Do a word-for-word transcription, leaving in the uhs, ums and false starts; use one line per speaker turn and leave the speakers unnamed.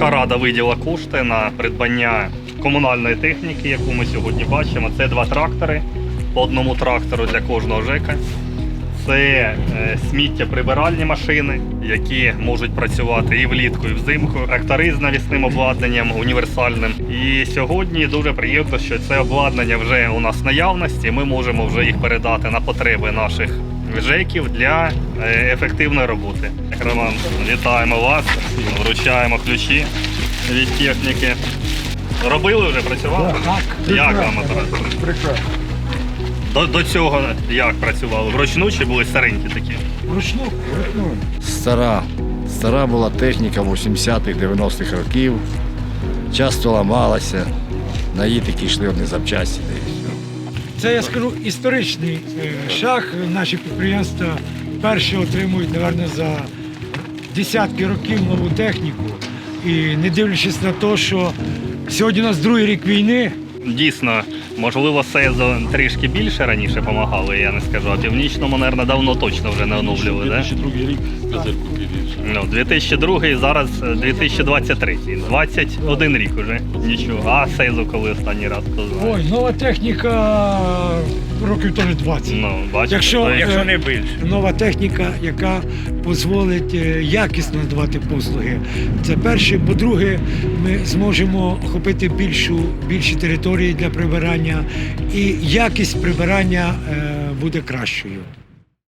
Міська рада виділа кошти на придбання комунальної техніки, яку ми сьогодні бачимо. Це два трактори, по одному трактору для кожного ЖЕКа. Це е, сміттєприбиральні машини, які можуть працювати і влітку, і взимку. Трактори з навісним обладнанням, універсальним. І сьогодні дуже приємно, що це обладнання вже у нас в наявності. Ми можемо вже їх передати на потреби наших ЖЕКів для е, ефективної роботи. Роман, вітаємо вас, вручаємо ключі від техніки. Робили вже, працювали?
Так,
Як вам апарат?
Прекрасно.
До, до цього як працювали? Вручну чи були старенькі такі?
Вручну, вручну.
Стара. Стара була техніка вісімдесятих-дев'яностих років. Часто ламалася, на її такі йшли одні запчасті. Та і все.
Це, я скажу, історичний е, шаг. Наші підприємства перші отримують, мабуть, за десятки років нову техніку. І не дивлячись на те, що сьогодні у нас другий рік війни.
Дійсно, можливо, СЕЗО трішки більше раніше допомагали, я не скажу, а Північному, мабуть, давно точно вже не оновлювали, так?
дві тисячі другий рік козирку більше.
Ну, дві тисячі другий, зараз дві тисячі двадцять третій. двадцять один рік уже. Нічого. А СЕЗО коли останній раз, хто знає?
Ой, нова техніка років теж двадцять.
Ну, бачите,
Якщо,
то є-
якщо
не більше.
нова техніка, яка дозволить е, якісно надавати послуги. Це перше. По-друге, ми зможемо охопити більшу, більші території для прибирання, і якість прибирання е, буде кращою.